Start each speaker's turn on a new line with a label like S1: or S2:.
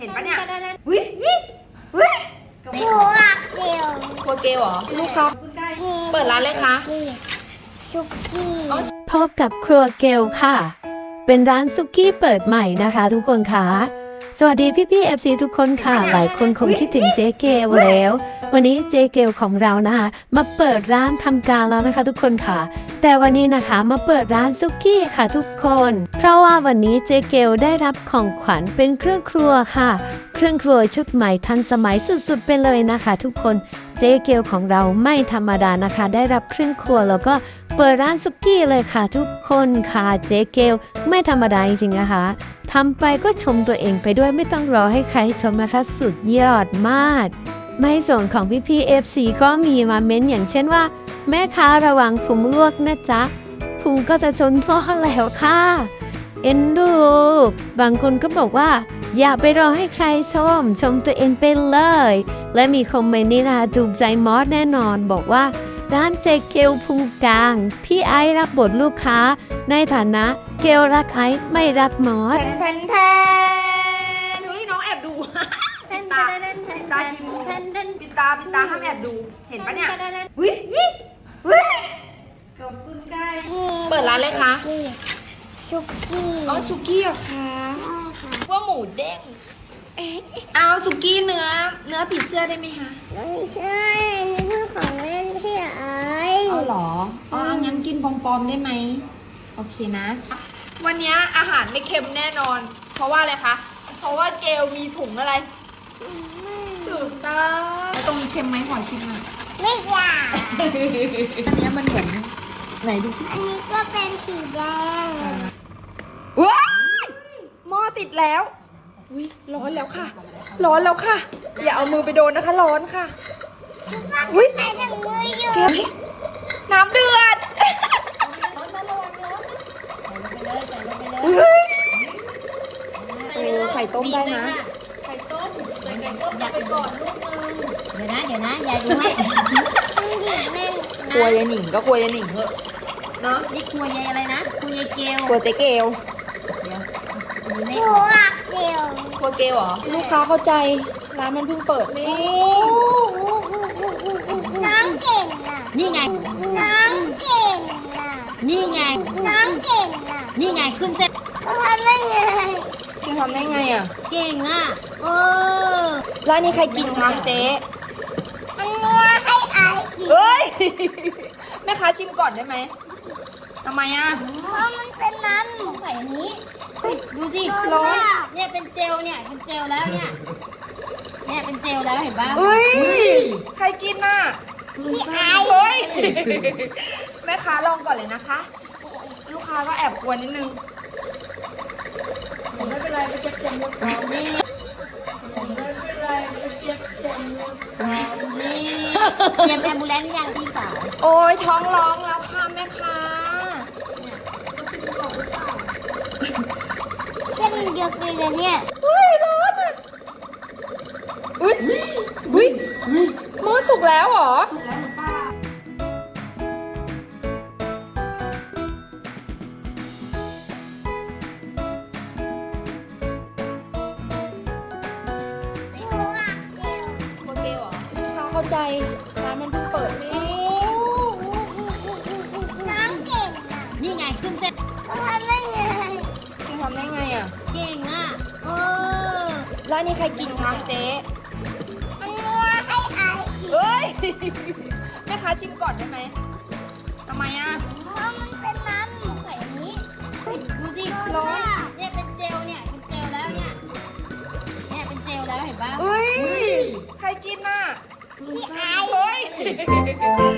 S1: เห็นปะเนี่ยวิวิครัวเกลครัวเกลเหรอลูกครับเปิดร้านเลยคะ
S2: ซุกี้พบกับครัวเกลค่ะเป็นร้านซุกี้เปิดใหม่นะคะทุกคนค่ะสวัสดีพี่ๆ FC ทุกคนค่ะหลายคนคงคิดถึงเจ๊เกลแล้ววันนี้เจ๊เกลของเรานะคะมาเปิดร้านทำการแล้วนะคะทุกคนค่ะแต่วันนี้นะคะมาเปิดร้านซุกี้ค่ะทุกคนเพราะว่าวันนี้เจ๊เกลได้รับของขวัญเป็นเครื่องครัวค่ะเครื่องครัวชุดใหม่ทันสมัยสุดๆไปเลยนะคะทุกคนเจ๊เกลของเราไม่ธรรมดานะคะได้รับเครื่องครัวแล้วก็เปิดร้านซุกี้เลยค่ะทุกคนค่ะเจ๊เกลไม่ธรรมดาจริงๆนะคะทำไปก็ชมตัวเองไปด้วยไม่ต้องรอให้ใครชมนะคะสุดยอดมากไม่ส่วนของพี่ๆ FC ก็มีมาเม้นอย่างเช่นว่าแม่ค้าระวังพุงลวกนะจ๊ะพุงก็จะชนพ่อแล้วค่ะเอ็นดูบางคนก็บอกว่าอย่าไปรอให้ใครชมตัวเองไปเลยและมีคอมเมนต์นี้นะถูกใจมอสแน่นอนบอกว่าร้านเจเกลพุงกลางพี่ไอซ์รับบทลูกค้าในฐานะเกลรักไอซ์ไม่รักมอส
S1: แทนดูให้น้องแอบดูปิดตากินมูปิดตาห้ามแอบดูเห็นปะเนี่ยวิขอบคุณค่ะเปิดร้านเลยคะ
S2: ซุกี้
S1: อ๋อซุกี้เหรอคะว่าหมูเด้งเอาซุกี้เนื้อผีเสื้อได้ไหมคะ
S2: ไม่ใช่นี่คือของเล่นที่ไอ
S1: เอาหรออ๋องั้นกินปอมๆได้ไหมโอเคนะวันนี้อาหารไม่เค็มแน่นอนเพราะว่าอะไรคะเพราะว่าเกลมีถุงอะไรถูกต้องแล้วตรงนี้เค็มไหมขอชิมหน่อย
S2: ไม่อยาก
S1: อันนี้มันเหมือนไหนดูสิ
S2: อันนี้ก็เป็นสีแดง
S1: ว้ายหม้อติดแล้วอุ้ยร้อนแล้วค่ะอย่าเอามือไปโดนนะคะร้อนค่ะ
S2: อุ้ยใส่ถุงมืออยู่
S1: น้ำเดือดไข่ต้มได้นะไข่ต้มอยากไปก่อนลูกนึง
S2: เดี๋ยวนะยายดูให้
S1: ครัวยายหนิงก็ครัวยายหนิงเถอะเนาะ
S2: นี่ครัวยายอะไรนะครัวยายเกล
S1: ครัวเจ๊เกล
S2: ครัวเกล
S1: ครัวเกลเหรอลูกค้าเข้าใจร้านมันเพิ่งเปิด
S2: น้ำเก่งอ่ะนี่ไงน้ำเก่งอ่ะนี่ไงน้ำเก่งอ่ะนี่ไงขึ้นเส้น
S1: ทำได้ไงอ่ะ
S2: เก่งอ่ะ
S1: ร้านนี้ใครกินคะเจ๊
S2: อันนี้ให้ไอกิน
S1: เอ้ยแม่ค้าชิมก่อนได้ไหมทำไมอ่ะ
S2: เพราะมันเป็นน้ำต้องใส่อันนี้ดูสิ
S1: ร้อน
S2: เนี่ยเป็นเจลเนี่ยเป็นเจลแล้วเนี่ยเป็นเจลแล้วเห็นป่ะ
S1: เฮ้ยใครกินน่ะ
S2: พี่ไอ
S1: เฮ้ยแม่ค้าลองก่อนเลยนะคะลูกค้าก็แอบกลัวนิดนึงไม่เป็นไรไปเก็บเต็มรถเรานี่ไม่เป็นไรไปเก็บเต็มรถเรานี่
S2: เตรียมแอมบูเลนซ์ยังพี่สาว
S1: โอ้ยท้องร้องแล้วค่ะแม่ค้า
S2: เส้นเยอะเลยนะเนี่ย
S1: อุ้ยร้อนอ่ะอุ้ยหม้อสุกแล้วเหรอเข้าใจร้านมันเพิ่งเปิด
S2: น้ำเก่งอ่ะนี่ไงขึ้นเส้นทำได้ไง
S1: อ่ะ
S2: เก่งอ่ะ
S1: ร้านนี้ใครกินคะเจ๊
S2: อันนี้ให้ไอกิน
S1: เอ้ยแม่ค้าชิมก่อนได้ไหมทำไมอ่ะ
S2: เพราะมันเป็นน้ำใส่อันนี้ดูสิ
S1: ร้อน
S2: เนี่ยเป็นเจลเนี่ยเป็นเจลแล้วเนี่ยเป็นเจลแล้วเห็นป่ะ
S1: เอ้ยใครกินน่ะ
S2: พี่ไอ
S1: เฮ้ย